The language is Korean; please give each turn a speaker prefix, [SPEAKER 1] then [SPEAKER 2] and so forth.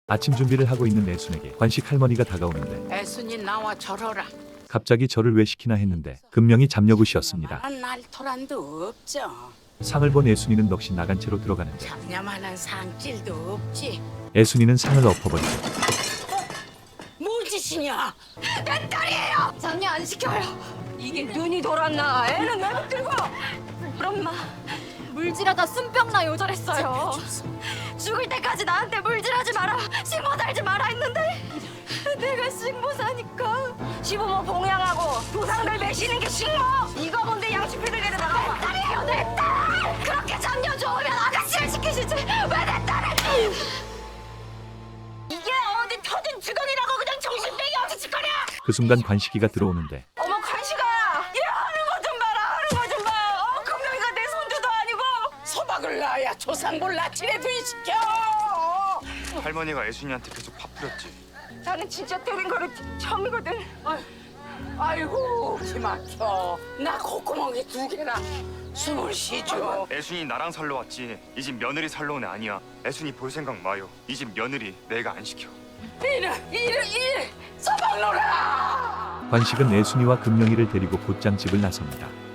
[SPEAKER 1] 아침 준비를 하고 있는 애순에게 관식 할머니가 다가오는데
[SPEAKER 2] 애순이 나와 절어라.
[SPEAKER 1] 갑자기 저를 왜 시키나 했는데 금명이 잡녀굿이었습니다.
[SPEAKER 2] 만한 날토란도 없죠.
[SPEAKER 1] 상을 본 애순이는 넋이 나간 채로 들어가는데
[SPEAKER 2] 잡냐만한 상질도 없지.
[SPEAKER 1] 애순이는 상을 엎어버리고
[SPEAKER 2] 뭘 짓이냐?
[SPEAKER 3] 내 딸이에요. 장녀 안 시켜요. 이게 눈이 돌았나? 애는 왜 들고? 우리 엄마 물질하다 순병나 요절했어요. 죽을 때까지 나한테 물질하지 마라, 식모 살지 마라 했는데 내가 식모사니까 시부모 봉양하고 조상들 매시는 게 식모. 이거 뭔데 양치피들 데려다가 내 딸이에요, 내 딸. 그렇게 장녀 좋으면 아가씨를 시키시지 왜 내 딸을? 이게 어디 터진 주걱이라고 그냥 정신병이 없이 짓거려.
[SPEAKER 1] 그 순간 관식이가 들어오는데
[SPEAKER 3] 어머 관식아, 얘 하는 거 좀 봐라, 하는 거 좀 봐. 금명이가 내 손주도 아니고.
[SPEAKER 2] 소박을 낳아야 조상볼 나치레도 시켜.
[SPEAKER 4] 할머니가 애순이한테 계속 밥 뿌렸지.
[SPEAKER 3] 나는 진짜 때린 거를 처음이거든.
[SPEAKER 2] 아이고 기막혀. 나 콧구멍이 2개라. 숨을 쉬죠.
[SPEAKER 4] 애순이 나랑 살러 왔지. 이 집 며느리 살러 온 애 아니야. 애순이 볼 생각 마요. 이 집 며느리 내가 안 시켜.
[SPEAKER 2] 이를 소박노라.
[SPEAKER 1] 관식은 애순이와 금명이를 데리고 곧장 집을 나섭니다.